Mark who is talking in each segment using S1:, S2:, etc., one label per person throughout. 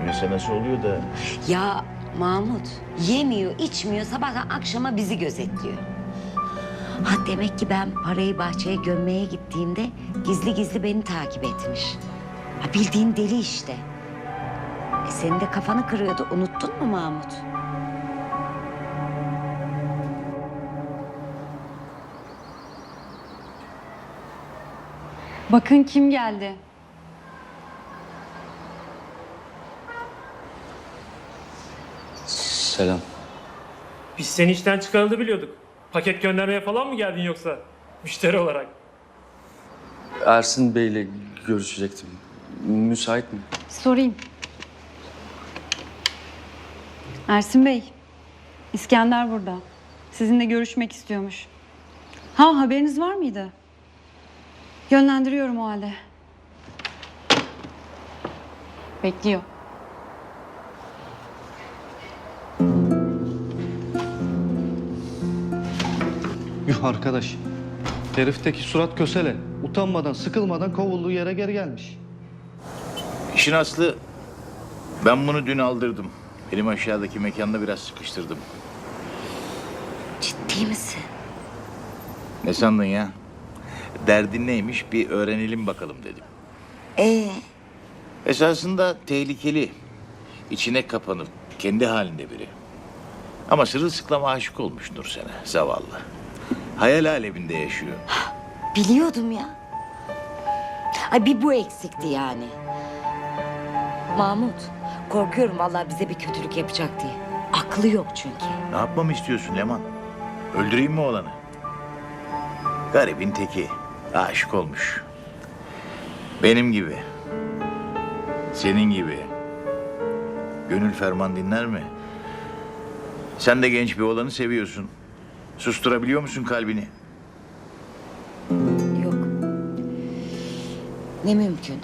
S1: yemese nasıl oluyor da?
S2: Ya Mahmut yemiyor, içmiyor, sabahtan akşama bizi gözetliyor. Ha demek ki ben parayı bahçeye gömmeye gittiğimde gizli gizli beni takip etmiş. Ha bildiğin deli işte. Senin de kafanı kırıyordu, unuttun mu Mahmut?
S3: Bakın kim geldi.
S4: Selam.
S5: Biz seni işten çıkarıldı biliyorduk. Paket göndermeye falan mı geldin yoksa? Müşteri olarak.
S4: Ersin Bey'le görüşecektim. Müsait mi?
S3: Sorayım. Ersin Bey, İskender burada. Sizinle görüşmek istiyormuş. Ha, haberiniz var mıydı? Yönlendiriyorum o halde. Bekliyor.
S6: Yuh arkadaş. Herifteki surat kösele. Utanmadan, sıkılmadan kovulduğu yere geri gelmiş.
S1: İşin aslı ben bunu dün aldırdım. Benim aşağıdaki mekanda biraz sıkıştırdım.
S2: Ciddi misin?
S1: Ne sandın ya? Derdin neymiş bir öğrenelim bakalım dedim. Esasında tehlikeli. İçine kapanıp kendi halinde biri. Ama sırılsıklama aşık olmuş Nursen'e zavallı. Hayal aleminde yaşıyor.
S2: Biliyordum ya. Ay bir bu eksikti yani. Mahmut, korkuyorum vallahi bize bir kötülük yapacak diye. Aklı yok çünkü.
S1: Ne yapmamı istiyorsun Leman? Öldüreyim mi oğlanı? Garibin teki. Aşık olmuş. Benim gibi. Senin gibi. Gönül ferman dinler mi? Sen de genç bir oğlanı seviyorsun. Susturabiliyor musun kalbini?
S2: Yok. Ne mümkün.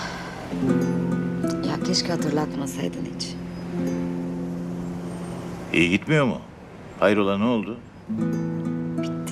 S2: Ya keşke hatırlatmasaydın hiç.
S1: İyi gitmiyor mu? Hayrola ne oldu?
S2: Bitti.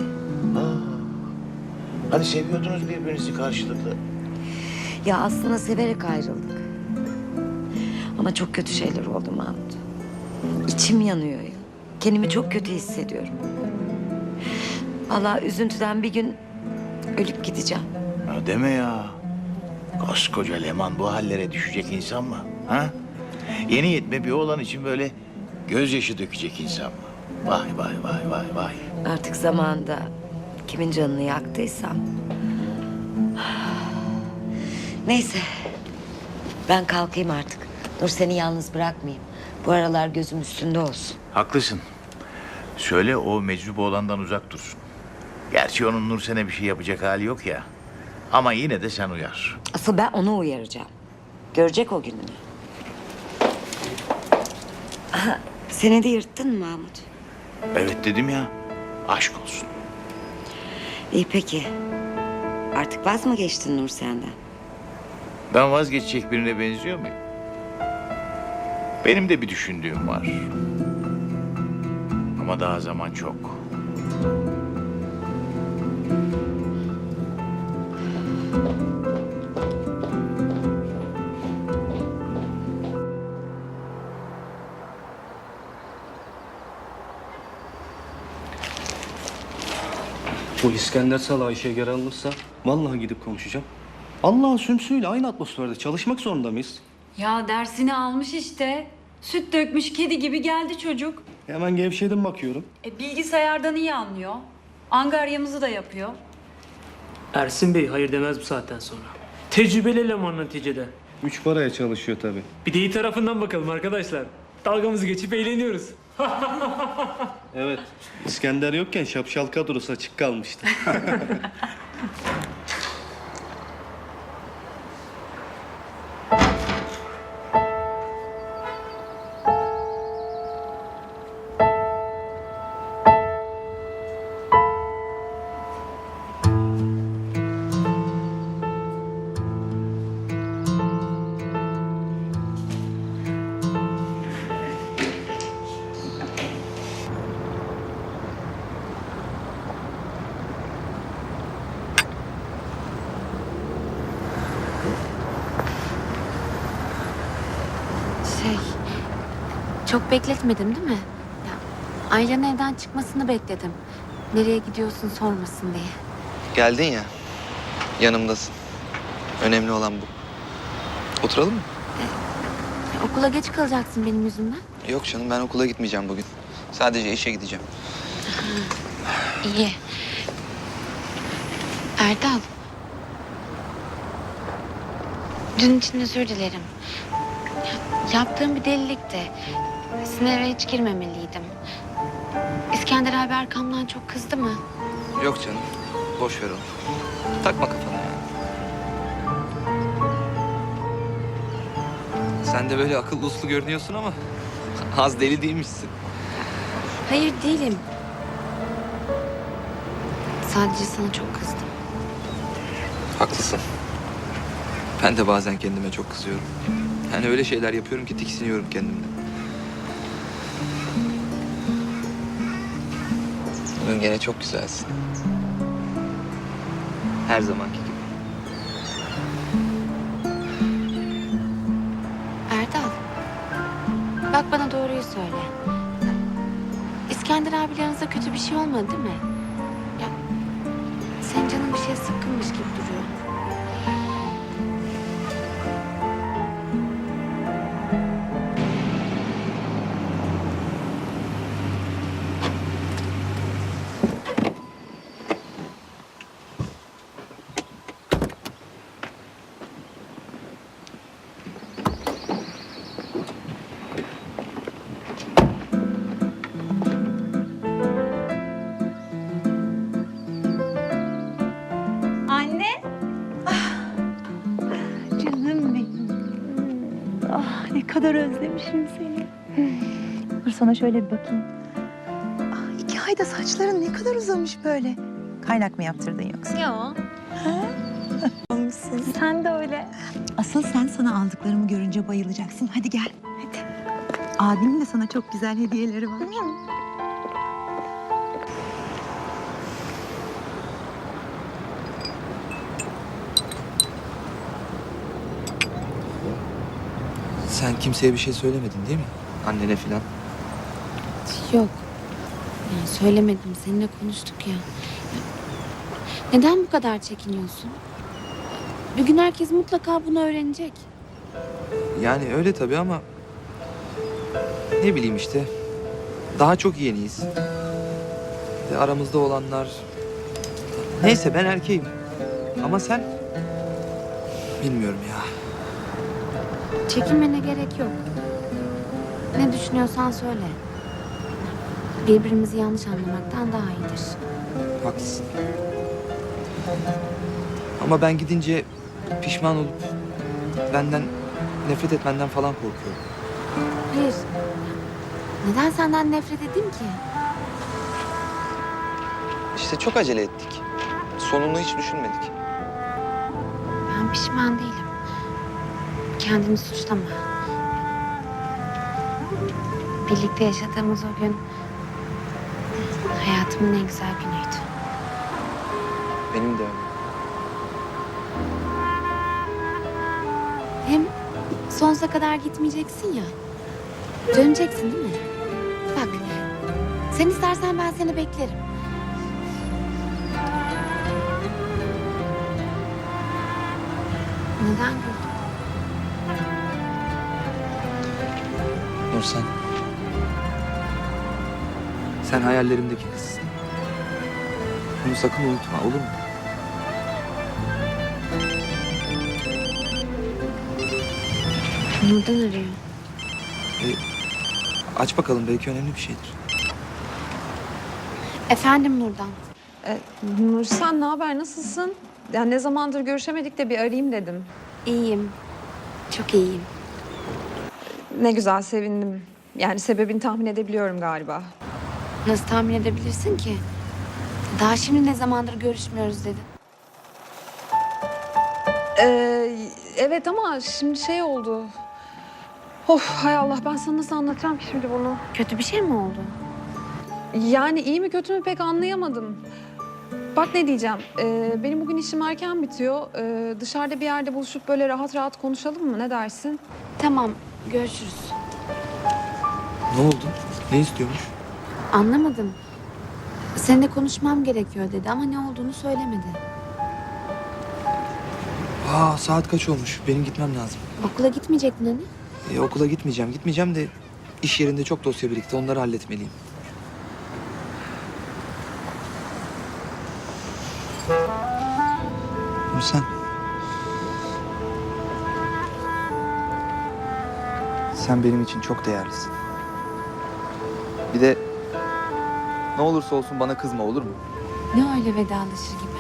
S1: Hani seviyordunuz birbirinizi karşılıklı.
S2: Ya aslında severek ayrıldık. Ama çok kötü şeyler oldu Mahmut. İçim yanıyor ya. Kendimi çok kötü hissediyorum. Vallahi üzüntüden bir gün ölüp gideceğim.
S1: Ha, deme ya. Koskoca Leman bu hallere düşecek insan mı? Ha? Yeni yetme bir oğlan için böyle gözyaşı dökecek insan mı? Vay vay vay vay vay.
S2: Artık zamanında kimin canını yaktıysam. Neyse. Ben kalkayım artık. Dur seni yalnız bırakmayayım. Bu aralar gözüm üstünde olsun.
S1: Haklısın. Söyle o meczup oğlandan uzak dursun. Gerçi onun Nursen'e bir şey yapacak hali yok ya. Ama yine de sen uyar.
S2: Asıl ben onu uyaracağım. Görecek o gününü. Aha, seni de yırttın mı Mahmut?
S1: Evet dedim ya. Aşk olsun.
S2: İyi peki. Artık vaz mı geçtin Nur senden?
S1: Ben vazgeçecek birine benziyor muyum? Benim de bir düşündüğüm var. Ama daha zaman çok.
S6: Bu İskender salağı işe geri alınırsa vallahi gidip konuşacağım. Allah'ın sümsüğüyle aynı atmosferde çalışmak zorunda mıyız?
S3: Ya dersini almış işte. Süt dökmüş kedi gibi geldi çocuk.
S6: Hemen gevşedim bakıyorum.
S3: Bilgisayardan iyi anlıyor. Angaryamızı da yapıyor.
S5: Ersin Bey hayır demez bu saatten sonra. Tecrübeli eleman neticede.
S6: Üç paraya çalışıyor tabii.
S5: Bir de iyi tarafından bakalım arkadaşlar. Dalgamızı geçip eğleniyoruz.
S6: Evet. İskender yokken şapşal kadrosu açık kalmıştı.
S7: Çok bekletmedim değil mi? Ya, Aylan'ın evden çıkmasını bekledim. Nereye gidiyorsun sormasın diye.
S8: Geldin ya, yanımdasın. Önemli olan bu. Oturalım mı?
S7: Okula geç kalacaksın benim yüzümden.
S8: Yok canım, ben okula gitmeyeceğim bugün. Sadece işe gideceğim.
S7: İyi. Erdal. Dün için özür dilerim. Yaptığım bir delilikti. Sizin eve hiç girmemeliydim. İskender abi arkamdan çok kızdı mı?
S8: Yok canım, boş ver onu. Takma kafana ya. Sen de böyle akıllı uslu görünüyorsun ama az deli değilmişsin.
S7: Hayır değilim. Sadece sana çok kızdım.
S8: Haklısın. Ben de bazen kendime çok kızıyorum. Yani öyle şeyler yapıyorum ki tiksiniyorum kendimden. Bugün gene çok güzelsin. Her zamanki gibi.
S7: Erdal. Bak bana doğruyu söyle. İskender abiyle aranızda kötü bir şey olmadı değil mi? Ya senin canın bir şeye sıkkınmış gibi duruyor.
S9: Anne. Canım benim. Ah, ne kadar özlemişim seni. Dur sana şöyle bir bakayım. Ah, 2 ayda saçların ne kadar uzamış böyle. Kaynak mı yaptırdın yoksa?
S7: Yok.
S9: Olmuşsun. Sen de öyle. Asıl sen sana aldıklarımı görünce bayılacaksın. Hadi gel. Hadi. Abimin de sana çok güzel hediyeleri var.
S8: Sen kimseye bir şey söylemedin değil mi? Annene falan.
S7: Yok. Yani söylemedim. Seninle konuştuk ya. Neden bu kadar çekiniyorsun? Bir gün herkes mutlaka bunu öğrenecek.
S8: Yani öyle tabii ama... Ne bileyim işte. Daha çok yeniyiz. Ve aramızda olanlar... Neyse ben erkeğim. Ama sen... Bilmiyorum ya.
S7: Çekinmene gerek yok. Ne düşünüyorsan söyle. Birbirimizi yanlış anlamaktan daha iyidir.
S8: Haklısın. Ama ben gidince pişman olup benden nefret etmenden falan korkuyorum.
S7: Hayır. Neden senden nefret edeyim ki?
S8: İşte çok acele ettik. Sonunu hiç düşünmedik.
S7: Ben pişman değilim. Kendini suçlama. Birlikte yaşadığımız o gün hayatımın en güzel günüydü.
S8: Benim de öyle.
S7: Hem sonsuza kadar gitmeyeceksin ya. Döneceksin değil mi? Bak, sen istersen ben seni beklerim. Neden güldün?
S8: Nursen. Sen hayallerimdeki kızsın. Bunu sakın unutma, olur mu?
S7: Nurdan arıyor.
S8: Aç bakalım, belki önemli bir şeydir.
S7: Efendim Nurdan.
S10: Nursen ne haber, nasılsın? Ya ne zamandır görüşemedik de bir arayayım dedim.
S7: İyiyim. Çok iyiyim.
S10: Ne güzel, sevindim. Yani sebebini tahmin edebiliyorum galiba.
S7: Nasıl tahmin edebilirsin ki? Daha şimdi ne zamandır görüşmüyoruz dedin.
S10: Evet ama şimdi şey oldu. Of hay Allah, ben sana nasıl anlatacağım ki şimdi bunu?
S7: Kötü bir şey mi oldu?
S10: Yani iyi mi kötü mü pek anlayamadım. Bak ne diyeceğim, benim bugün işim erken bitiyor. Dışarıda bir yerde buluşup böyle rahat rahat konuşalım mı, ne dersin?
S7: Tamam, görüşürüz.
S8: Ne oldu? Ne istiyormuş?
S7: Anlamadım. Seninle konuşmam gerekiyor dedi ama ne olduğunu söylemedi.
S8: Aa, saat kaç olmuş? Benim gitmem lazım.
S7: Okula gitmeyecektin hani?
S8: Okula gitmeyeceğim. Gitmeyeceğim de iş yerinde çok dosya birikti. Onları halletmeliyim. Sen benim için çok değerlisin. Bir de ne olursa olsun bana kızma, olur mu?
S7: Ne öyle vedalaşır gibi.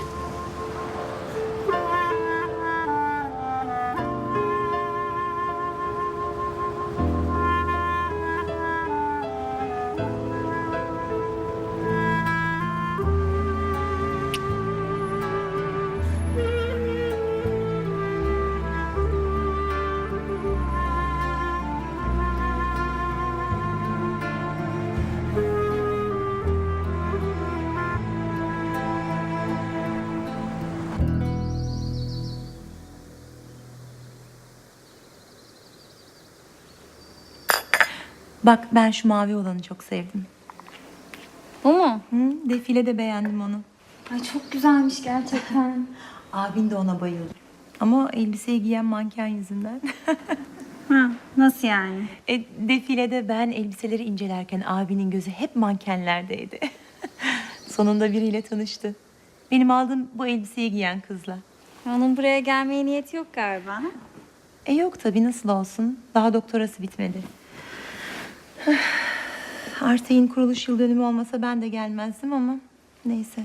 S9: Bak ben şu mavi olanı çok sevdim.
S3: Bu mu?
S9: Hı, defilede beğendim onu.
S3: Ay çok güzelmiş gerçekten.
S9: Abin de ona bayıldı. Ama elbiseyi giyen manken yüzünden.
S3: Ha, nasıl yani?
S9: Defilede ben elbiseleri incelerken abinin gözü hep mankenlerdeydi. Sonunda biriyle tanıştı. Benim aldığım bu elbiseyi giyen kızla.
S3: Onun buraya gelmeye niyeti yok galiba.
S9: Yok tabii nasıl olsun. Daha doktorası bitmedi. Artay'ın kuruluş yıl dönümü olmasa ben de gelmezdim ama neyse.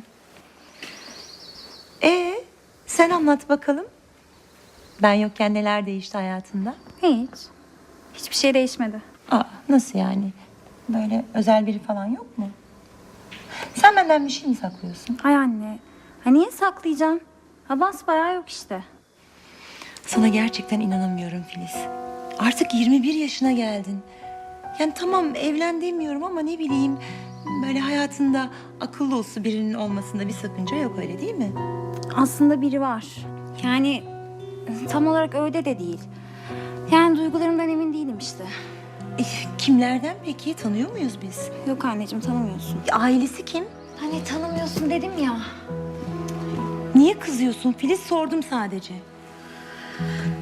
S9: Sen anlat bakalım. Ben yokken neler değişti hayatında?
S3: Hiç. Hiçbir şey değişmedi.
S9: Nasıl yani? Böyle özel biri falan yok mu? Sen benden bir şey mi saklıyorsun?
S3: Ay anne. Ha niye saklayacağım? Ha basbayağı yok işte.
S9: Sana gerçekten inanamıyorum Filiz. Artık 21 yaşına geldin. Yani tamam evlen demiyorum ama ne bileyim... ...böyle hayatında akıllı uslu birinin olmasında bir sakınca yok öyle değil mi?
S3: Aslında biri var. Yani tam olarak öyle de değil. Yani duygularımdan emin değilim işte.
S9: Kimlerden peki? Tanıyor muyuz biz?
S3: Yok anneciğim tanımıyorsun.
S9: Ailesi kim?
S3: Hani tanımıyorsun dedim ya.
S9: Niye kızıyorsun Filiz? Sordum sadece.